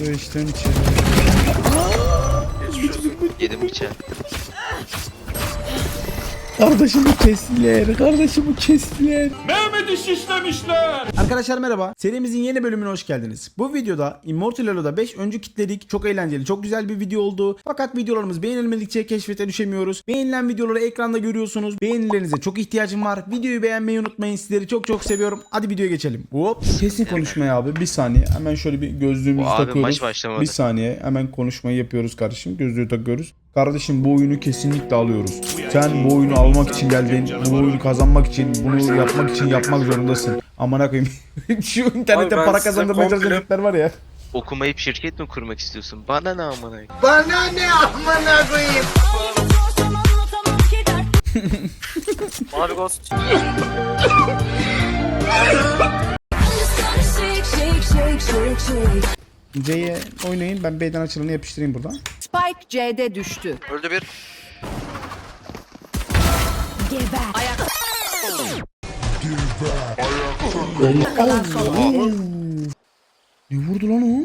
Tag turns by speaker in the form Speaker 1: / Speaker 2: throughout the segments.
Speaker 1: Su içtim içeri.
Speaker 2: Yedim bıçağı.
Speaker 1: Kardeşimi kestiler. Kardeşimi kestiler.
Speaker 3: Mehmet'i şişlemişler.
Speaker 1: Arkadaşlar merhaba. Serimizin yeni bölümüne hoş geldiniz. Bu videoda Immortal Elo'da 5 öncü kitledik. Çok eğlenceli, çok güzel bir video oldu. Fakat videolarımız beğenilmedikçe keşfete düşemiyoruz. Beğenilen videoları ekranda görüyorsunuz. Beğenilerinize çok ihtiyacım var. Videoyu beğenmeyi unutmayın. Sizleri çok çok seviyorum. Hadi videoya geçelim. Hop. Kesin konuşmayı abi. Bir saniye. Hemen şöyle bir gözlüğümüzü
Speaker 2: Abi,
Speaker 1: takıyoruz.
Speaker 2: maç başlamadı.
Speaker 1: Bir saniye. Hemen konuşmayı yapıyoruz kardeşim. Gözlüğü takıyoruz. Kardeşim bu oyunu kesinlikle alıyoruz. Sen bu oyunu almak için geldin. Bu oyunu kazanmak için, bunu yapmak için yapmak zorundasın. Amına koyayım. Şu internette
Speaker 3: Abi
Speaker 1: para
Speaker 3: size
Speaker 1: kazandırmaya çalışan
Speaker 3: komple-
Speaker 1: tipler var ya.
Speaker 2: Okumayıp şirket mi kurmak istiyorsun? Bana ne amına?
Speaker 4: Bana ne amına koyayım?
Speaker 3: Mavi Ghost.
Speaker 1: C'ye oynayın. Ben B'den açılanı yapıştırayım buradan.
Speaker 5: Spike C'de düştü.
Speaker 3: Öldü bir.
Speaker 5: Kalan son oyuncu.
Speaker 1: Ne vurdu lan o?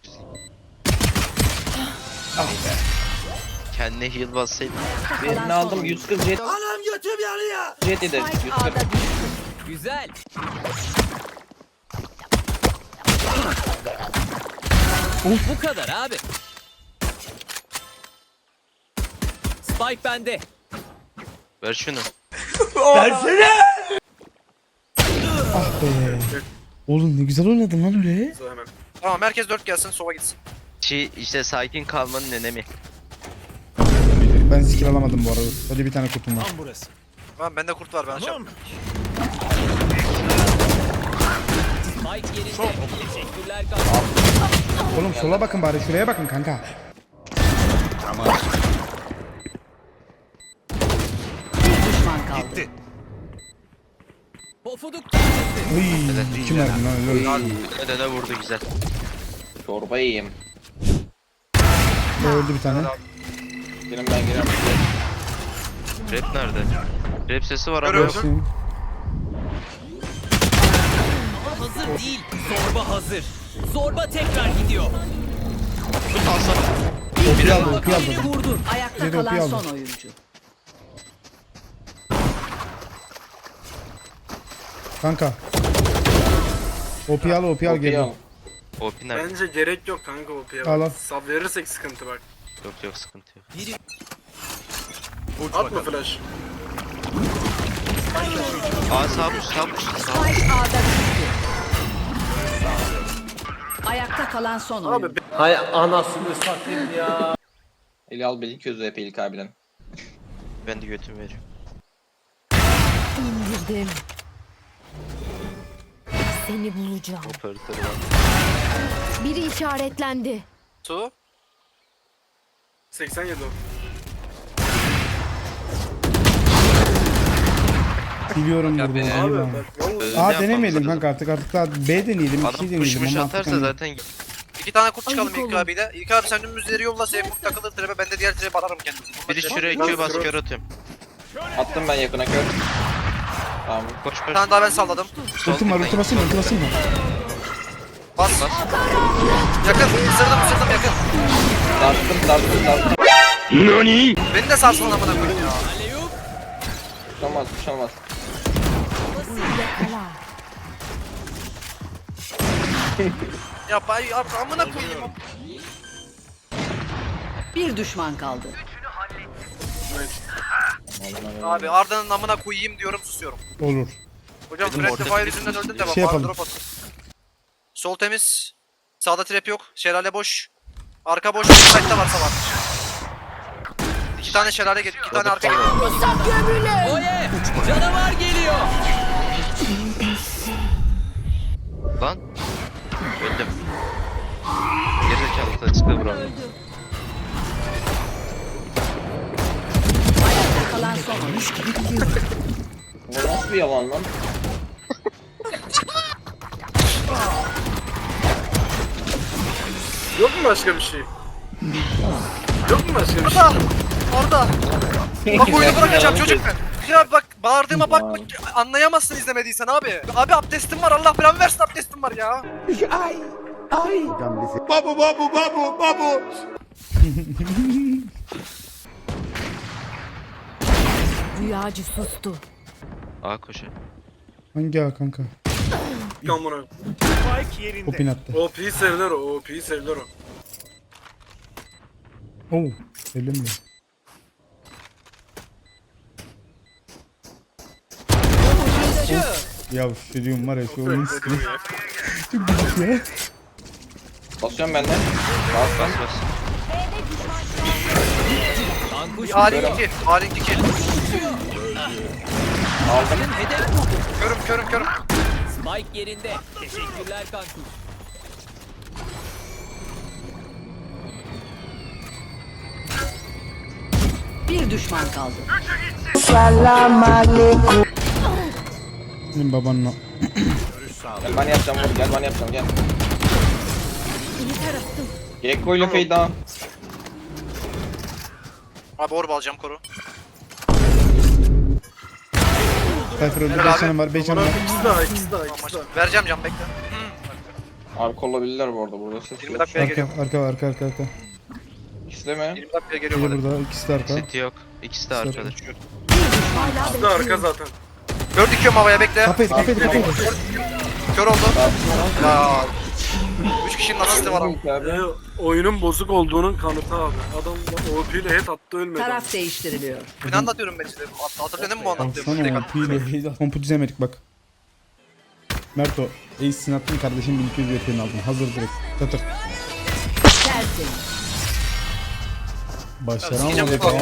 Speaker 2: Kendine heal bassaydın.
Speaker 5: Birini
Speaker 6: aldım 140 jet.
Speaker 4: Anam götüm yanıyor.
Speaker 6: Jet eder.
Speaker 5: Spike
Speaker 6: 140.
Speaker 5: A'da düştü.
Speaker 6: Güzel. Bu kadar abi. Spike bende.
Speaker 2: Ver şunu.
Speaker 1: Ah be. Oğlum ne güzel oynadın lan öyle.
Speaker 3: Hemen. Tamam herkes 4 gelsin sova gitsin.
Speaker 2: İşte sakin kalmanın önemi.
Speaker 1: Ben skill alamadım bu arada. Hadi bir tane kutum var.
Speaker 3: Tamam bende kurt var ben açacağım.
Speaker 6: Spike yerinde. Teşekkürler kanka.
Speaker 1: Oğlum sola bakın bari, şuraya bakın kanka.
Speaker 5: Bir düşman kaldı.
Speaker 6: Pofuduk.
Speaker 1: Uy, kim verdi lan öyle?
Speaker 2: Ödene vurdu güzel.
Speaker 6: Çorba yiyeyim.
Speaker 1: Öldü bir tane.
Speaker 6: Benim ben giriyorum.
Speaker 2: Rap nerede? Rap sesi var ama
Speaker 3: Görüyorum.
Speaker 2: yok.
Speaker 1: Gelsin.
Speaker 6: Hazır değil. Zorba hazır. Zorba tekrar gidiyor.
Speaker 2: Tut alsana.
Speaker 1: Opi aldı, opi aldı.
Speaker 6: Beni vurdun.
Speaker 5: Ayakta
Speaker 1: Biri
Speaker 5: kalan
Speaker 1: okey
Speaker 5: son
Speaker 1: aldı.
Speaker 5: oyuncu.
Speaker 1: Kanka. Opi al, opi al gel.
Speaker 2: OP nerede?
Speaker 3: Bence gerek yok kanka OP'ye
Speaker 1: Al, al.
Speaker 3: bak. Sab verirsek sıkıntı bak.
Speaker 2: Yok yok sıkıntı yok.
Speaker 3: Atma flash.
Speaker 2: Aa sağ push sağ push. Sağ push.
Speaker 5: Spike A'da düştü. Ayakta kalan son oyuncu.
Speaker 3: Abi
Speaker 6: Eli al beni közü hep ilk abiden.
Speaker 2: Ben de götümü veriyorum.
Speaker 7: İndirdim. Seni bulacağım.
Speaker 2: Operatörü var.
Speaker 7: Biri işaretlendi.
Speaker 3: Su. 87 o.
Speaker 1: Biliyorum burada.
Speaker 3: Abi
Speaker 1: Biliyorum.
Speaker 3: bak vallahi.
Speaker 2: Öyle
Speaker 1: A
Speaker 2: yapmam
Speaker 1: denemeyelim
Speaker 2: lazım.
Speaker 1: kanka artık daha B deneyelim,
Speaker 2: Adam
Speaker 1: 2
Speaker 2: push
Speaker 1: deneyelim.
Speaker 2: muş
Speaker 1: ama
Speaker 2: atarsa
Speaker 1: artık
Speaker 2: zaten
Speaker 3: 2 tane kurt çıkalım
Speaker 7: Ayık
Speaker 3: İlk
Speaker 7: olun.
Speaker 3: abiyle. İlk abi sen dümdüzleri yolla Seyfurt takılır trebe ben de diğer trebe atarım kendimi.
Speaker 2: biri şuraya Q bas kör atıyorum.
Speaker 6: Attım ben yakına kör. Tamam.
Speaker 2: Koş koş.
Speaker 3: Bir tane daha ben salladım.
Speaker 2: Sol
Speaker 1: ultim var,
Speaker 2: tıklayın.
Speaker 1: ulti basayım mı, ulti basayım mı?
Speaker 3: Bas. Yakın. Isırdım yakın.
Speaker 6: Darttım.
Speaker 3: Beni de sarsın amına koyayım ya.
Speaker 6: Kuş olmaz.
Speaker 7: Yakala.
Speaker 3: Ya bay amına koyayım.
Speaker 5: Bir düşman kaldı.
Speaker 3: Abi Arda'nın amına koyayım diyorum susuyorum.
Speaker 1: Olur.
Speaker 3: Hocam
Speaker 2: Dedim,
Speaker 3: Fred
Speaker 2: ortada
Speaker 3: Fire
Speaker 2: bir
Speaker 3: yüzünden öldün de bak.
Speaker 1: şey
Speaker 3: Abi
Speaker 1: yapalım.
Speaker 3: drop at. Sol temiz. Sağda trap yok. Şelale boş. Arka boş. Site'da varsa var. 2 tane şelale geliyor. 2 tane arka geliyor.
Speaker 6: Oye! Canavar geliyor.
Speaker 2: Lan. Öldüm. Gerizekalı kılıçla vuramıyorum.
Speaker 5: Ayakta kalan son oyuncu.
Speaker 6: Bu nasıl bir yalan lan?
Speaker 3: Yok mu başka bir şey? Yok mu başka bir şey? Arda! Bak oyunu bırakacağım çocuk ben. Ya bak bağırdığıma bakma anlayamazsın izlemediysen abi. Abi abdestim var Allah belamı versin abdestim var ya.
Speaker 4: Babu.
Speaker 7: Rüyacı sustu.
Speaker 2: A koşu.
Speaker 1: Hangi A kanka?
Speaker 4: Kamera.
Speaker 1: Kopin attı.
Speaker 4: OP'yi sevdiler o. OP'yi sevdiler o.
Speaker 1: Oo. Öyle mi? Ya şu diyorum var ya şu oyun sıkıntı. Çok gıcık ya.
Speaker 8: Basıyorum ben de.
Speaker 2: Bas bas.
Speaker 6: Kankuş
Speaker 3: Alink 2. Alink 2.
Speaker 8: Aldım.
Speaker 6: hedef buldu.
Speaker 3: Körüm.
Speaker 6: Spike yerinde. Teşekkürler Kankuş.
Speaker 5: Bir düşman kaldı.
Speaker 1: Benim babanla.
Speaker 8: Gel ben yapacağım vur. Gel ben yapacağım gel. Gekko ile fade down.
Speaker 3: Abi orb alacağım koru.
Speaker 1: Cypher öldü.
Speaker 3: Helal
Speaker 1: 5
Speaker 3: abi.
Speaker 1: canım var. 5 canım var.
Speaker 4: İkisi daha.
Speaker 3: Vereceğim can bekle.
Speaker 8: Arka olabilirler bu arada burada ses
Speaker 3: 20
Speaker 8: yok.
Speaker 3: dakikaya geliyor.
Speaker 1: Arka.
Speaker 8: İkisi de mi?
Speaker 3: 20 dakikaya geliyor
Speaker 1: Biri
Speaker 3: böyle.
Speaker 1: burada. İkisi de arka.
Speaker 2: City yok. İkisi de arkada.
Speaker 4: İkisi de arka zaten.
Speaker 3: 4 2'yim havaya bekle.
Speaker 1: Kafayı.
Speaker 3: Kör oldu. Ya. 3 kişinin asisti var ama.
Speaker 8: Abi.
Speaker 4: Oyunun bozuk olduğunun kanıtı abi. Adam OP ile head attı ölmedi.
Speaker 5: Taraf değiştiriliyor.
Speaker 3: Ne anlatıyorum ben size? Hatırladın mı bu anlattığımı? Direkt
Speaker 1: Baksana piyle kompu dizemedik bak. Merto, Ace'sin attın kardeşim 1200 VP'ni aldın. Hazır direkt. Tık.
Speaker 5: Tersin.
Speaker 1: Başaramadık
Speaker 3: Ya,
Speaker 1: abi.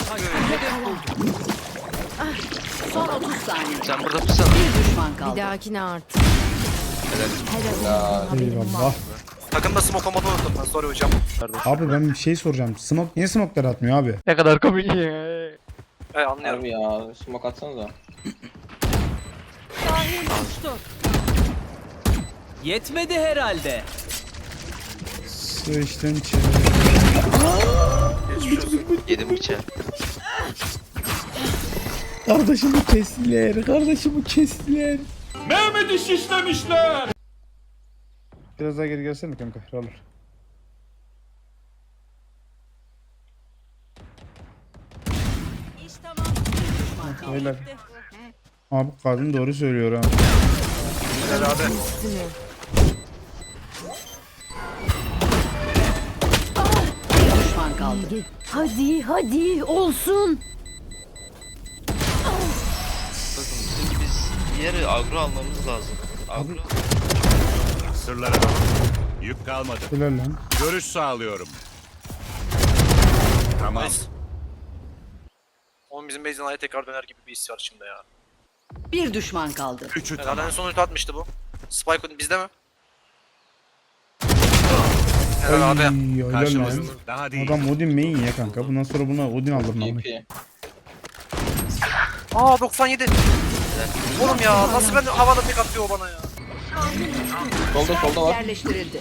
Speaker 5: Son 30 saniye.
Speaker 2: Sen burada mısın?
Speaker 5: Bir düşman
Speaker 7: Bir
Speaker 5: kaldı.
Speaker 7: dahakine artık. Helal. Haberim
Speaker 1: Eyvallah.
Speaker 7: var.
Speaker 3: Takımda smoke olmadı unuttum ben. Sorry hocam.
Speaker 1: Abi ben bir şey soracağım. Smoke niye smoke'ları atmıyor abi?
Speaker 3: Anlıyorum.
Speaker 8: Harbi ya. Smoke atsanıza.
Speaker 6: Yetmedi herhalde.
Speaker 1: Sıçtın içeri.
Speaker 2: Yedim bıçağı.
Speaker 1: Kardeşimi kestiler.
Speaker 9: Mehmet'i şişlemişler.
Speaker 1: Biraz daha geri gelsene kanka. Roller. Beyler. Abi kadın doğru söylüyor ha.
Speaker 3: Helal abi.
Speaker 7: Üstüne.
Speaker 5: Bir düşman kaldı.
Speaker 7: Hadi olsun.
Speaker 2: Bakın biz yeri agro almamız lazım. Agro.
Speaker 9: Sırlara bak. Yük kalmadı.
Speaker 1: Helal lan.
Speaker 9: Görüş sağlıyorum. Tamam.
Speaker 3: Nice. Oğlum bizim base'den aya tekrar döner gibi bir his var içimde ya.
Speaker 5: Bir düşman kaldı.
Speaker 9: Üçü
Speaker 3: Herhalde en son ulti atmıştı bu. Spike bizde mi?
Speaker 1: Ay,
Speaker 3: Helal abi.
Speaker 1: helal lan.
Speaker 9: Karşımızda. Daha değil.
Speaker 1: Adam Odin main ya kanka. Bundan sonra buna Odin alırım abi.
Speaker 8: EP.
Speaker 3: Aa 97. Oğlum ya nasıl ben havada tek atıyor o bana ya.
Speaker 8: Solda var.
Speaker 5: Yerleştirildi.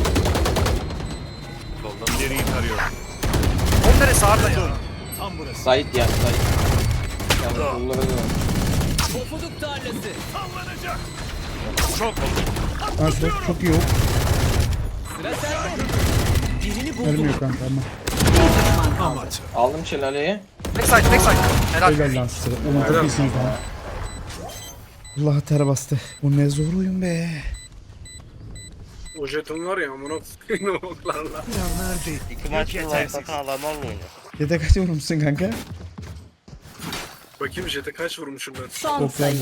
Speaker 9: İleriyi tarıyorum.
Speaker 3: Onun neresi Arda ya?
Speaker 9: Tam burası.
Speaker 8: Sait yani Sait. Yani sollara da var.
Speaker 6: Pofuduk tarlası.
Speaker 9: Çok oldu.
Speaker 1: Nasıl? Çok iyi o.
Speaker 6: Sıra sende. Birini buldum.
Speaker 1: Vermiyor kanka ama.
Speaker 5: Bir düşman kaldı.
Speaker 8: Aldım şelaleyi.
Speaker 3: Backside. Helal.
Speaker 1: Helal lan size. Ulan çok iyisiniz lan. Allah ter bastı. Bu ne zor oyun be.
Speaker 4: O jeton var ya amına koyayım oklarla.
Speaker 9: İki maç yetersiz.
Speaker 1: Yedek kaç vurmuşsun kanka?
Speaker 4: Bakayım jete kaç vurmuşum ben.
Speaker 5: Son sayı.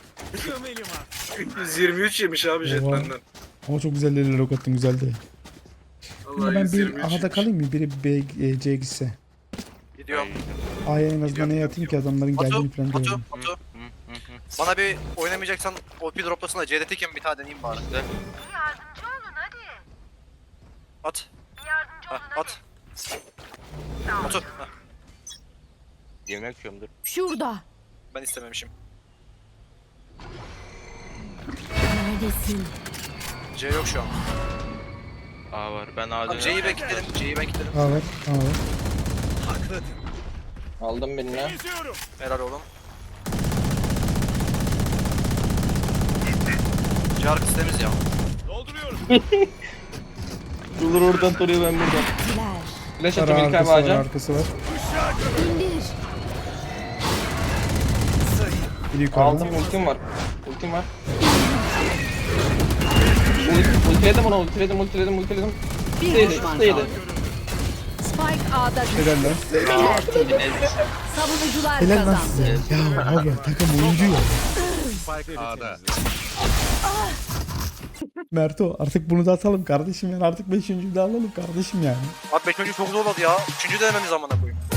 Speaker 4: 123 yemiş abi jet
Speaker 1: Oha.
Speaker 4: benden.
Speaker 1: Ama çok güzel deliler ok attın güzeldi. Ama
Speaker 4: Vallahi
Speaker 1: ben
Speaker 4: 123
Speaker 1: bir A'da
Speaker 4: yemiş.
Speaker 1: kalayım mı? Biri B, C'ye gitse.
Speaker 3: Gidiyorum.
Speaker 1: A'ya en azından ne atayım ki adamların geldiğini falan görelim.
Speaker 3: Batu. Bana bir oynamayacaksan OP droplasın da C'de tekim bir tane deneyeyim bari. At. At. Batu. Heh,
Speaker 2: Yemek yiyorum dur.
Speaker 7: Şurada.
Speaker 3: ben istememişim.
Speaker 7: Neredesin?
Speaker 3: C yok şu an.
Speaker 2: A var. Ben A
Speaker 3: Tamam,
Speaker 2: dönüyorum.
Speaker 3: C'yi ben kilitledim.
Speaker 1: A var. A var.
Speaker 8: Aldım birini.
Speaker 3: Helal oğlum. C arkası temiz ya.
Speaker 9: Dolduruyorum.
Speaker 8: Ruler oradan duruyor, ben buradan. Flash attım İlkay
Speaker 1: Arkası var,
Speaker 8: ağaca.
Speaker 1: arkası var.
Speaker 7: İndir.
Speaker 1: Bir yukarıda.
Speaker 8: Aldım, ultim var. Ultim var. Ultiledim onu, ultiledim.
Speaker 5: Bir düşman
Speaker 8: Staydi.
Speaker 5: kaldı. Spike A'da düştü.
Speaker 1: Helal lan.
Speaker 5: Tertemiz. Savunucular
Speaker 1: Helal lan
Speaker 5: kazandı.
Speaker 1: size. Ya abi takım oyuncu ya.
Speaker 9: A'da.
Speaker 1: Merto artık bunu da atalım kardeşim yani. Artık 5. de alalım kardeşim yani.
Speaker 3: Abi 5. çok zor oldu ya. 3. denememiz zamana koyayım.